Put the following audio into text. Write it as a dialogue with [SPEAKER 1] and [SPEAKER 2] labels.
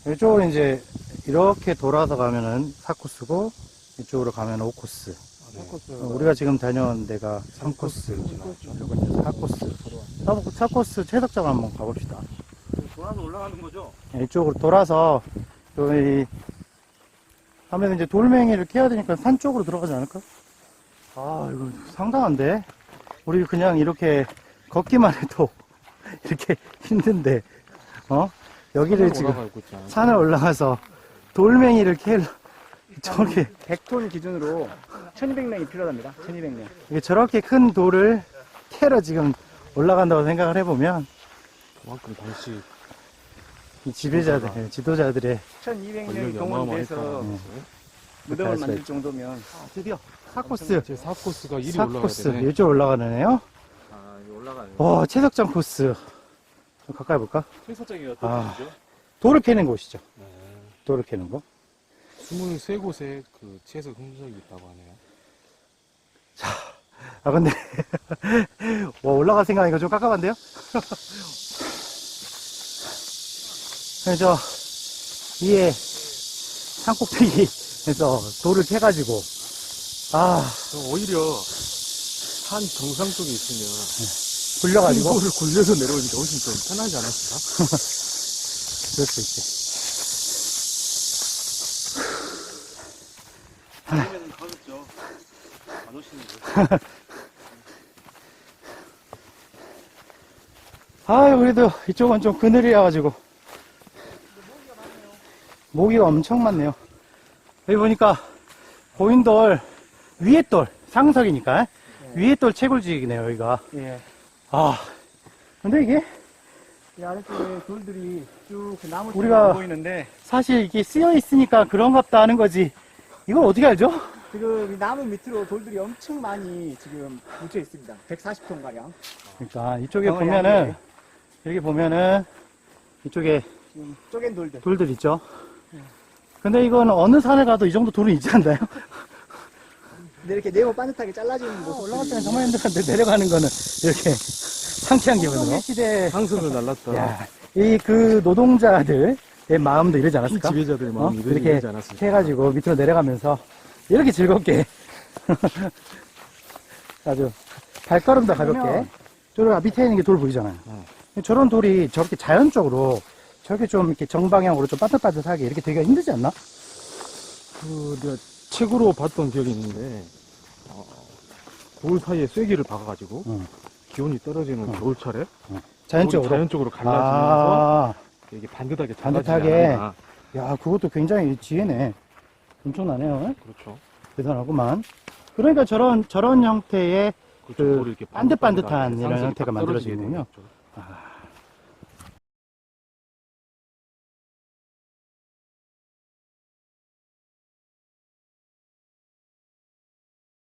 [SPEAKER 1] 이쪽으로 이제 이렇게 돌아서 가면은 4코스고 이쪽으로 가면 5코스.
[SPEAKER 2] 4코스.
[SPEAKER 1] 우리가 지금 다녀온 데가 3코스. 그리고 이제 4코스. 4코스 채석장 한번 가봅시다.
[SPEAKER 2] 돌아서 올라가는 거죠?
[SPEAKER 1] 이쪽으로 돌아서 저희 하면 이제 돌멩이를 캐야 되니까 산 쪽으로 들어가지 않을까? 아, 이거 상당한데? 우리 그냥 이렇게 걷기만 해도 이렇게 힘든데, 여기를 지금 산을 올라가서 돌멩이를 캐려, 저렇게,
[SPEAKER 3] 100톤 기준으로 1200명이 필요합니다. 1200명.
[SPEAKER 1] 이게 저렇게 큰 돌을 캐러 지금 올라간다고 생각을 해보면,
[SPEAKER 2] 그만큼 당시
[SPEAKER 1] 이 지배자들, 지도자들의
[SPEAKER 3] 1200명이 동원돼서 무덤을 만들 정도면.
[SPEAKER 1] 드디어 4코스.
[SPEAKER 2] 제 4코스가 1위 올라가야
[SPEAKER 1] 4코스.
[SPEAKER 2] 되네.
[SPEAKER 1] 이쪽 올라가는 애요.
[SPEAKER 3] 아, 이거 올라가네.
[SPEAKER 1] 채석장 코스. 좀 가까이 볼까?
[SPEAKER 2] 최서장이
[SPEAKER 1] 아.
[SPEAKER 2] 어떤 곳이죠?
[SPEAKER 1] 돌을 캐는 곳이죠. 돌을 캐는 곳.
[SPEAKER 2] 23곳에 그 채석 흔적이 있다고 하네요.
[SPEAKER 1] 아, 근데, 올라갈 생각하니까 좀 깝깝한데요? 그래서, 위에 산꼭대기에서 돌을 캐가지고,
[SPEAKER 2] 오히려 산 정상 쪽에 있으면
[SPEAKER 1] 굴려가지고,
[SPEAKER 2] 돌을 굴려서 내려오니까 훨씬 좀 편하지 않았을까?
[SPEAKER 1] 그럴 수 있지.
[SPEAKER 2] 아니면 가겠죠. 안 오시는데.
[SPEAKER 1] 그래도 이쪽은 좀 그늘이라가지고, 모기가 엄청 많네요. 여기 보니까, 고인돌, 위에 돌, 상석이니까, 위에 돌 채굴지이네요, 여기가.
[SPEAKER 3] 예.
[SPEAKER 1] 근데 이게,
[SPEAKER 3] 이 아래쪽에 돌들이 쭉 그 나무
[SPEAKER 1] 우리가-
[SPEAKER 3] 보이는데,
[SPEAKER 1] 사실 이게 쓰여 있으니까 그런갑다 하는 거지. 이걸 어떻게 알죠?
[SPEAKER 3] 지금 이 나무 밑으로 돌들이 엄청 많이 지금 묻혀 있습니다. 140톤 가량.
[SPEAKER 1] 그러니까 이쪽에
[SPEAKER 3] 병원이
[SPEAKER 1] 보면은
[SPEAKER 3] 아니에요.
[SPEAKER 1] 여기 보면은 이쪽에
[SPEAKER 3] 지금 쪼갠 돌들.
[SPEAKER 1] 돌들 있죠. 근데 이건 어느 산에 가도 이 정도 돌은 있지 않나요?
[SPEAKER 3] 근데 이렇게 네모 반듯하게 잘라지는 모습.
[SPEAKER 1] 올라갈 때는 정말 힘들었는데 내려가는 거는 이렇게 상쾌한 기분으로. 시대
[SPEAKER 2] 상승을 날랐다.
[SPEAKER 1] 야, 이 그 노동자들의 마음도 이러지 않았을까?
[SPEAKER 2] 지배자들의 마음이
[SPEAKER 1] 이렇게
[SPEAKER 2] 이러지 않았을까?
[SPEAKER 1] 해가지고 밑으로 내려가면서 이렇게 즐겁게 아주 발걸음도 가볍게.
[SPEAKER 3] 그러면-
[SPEAKER 1] 저런 밑에 있는 게 돌 보이잖아요. 저런 돌이 저렇게 자연적으로 저렇게 좀 이렇게 정방향으로 좀 빠듯빠듯하게 이렇게 되기가 힘들지 않나?
[SPEAKER 2] 내가 책으로 봤던 기억이 있는데, 돌 사이에 쐐기를 박아가지고,
[SPEAKER 1] 응.
[SPEAKER 2] 기온이 떨어지는 겨울철에,
[SPEAKER 1] 자연적으로.
[SPEAKER 2] 돌이 자연적으로 갈라지면서,
[SPEAKER 1] 아,
[SPEAKER 2] 이게 반듯하게
[SPEAKER 1] 반듯하게.
[SPEAKER 2] 작아지지 않았나.
[SPEAKER 1] 야, 그것도 굉장히 지혜네. 엄청나네요.
[SPEAKER 2] 그렇죠.
[SPEAKER 1] 대단하구만. 그러니까 저런 형태의
[SPEAKER 2] 그렇죠.
[SPEAKER 1] 그
[SPEAKER 2] 돌이 이렇게
[SPEAKER 1] 반듯반듯한
[SPEAKER 2] 반듯반듯하게
[SPEAKER 1] 이런
[SPEAKER 2] 상승이
[SPEAKER 1] 형태가
[SPEAKER 2] 딱 떨어지게
[SPEAKER 1] 만들어지는군요.
[SPEAKER 2] 되는 거죠.
[SPEAKER 1] 아,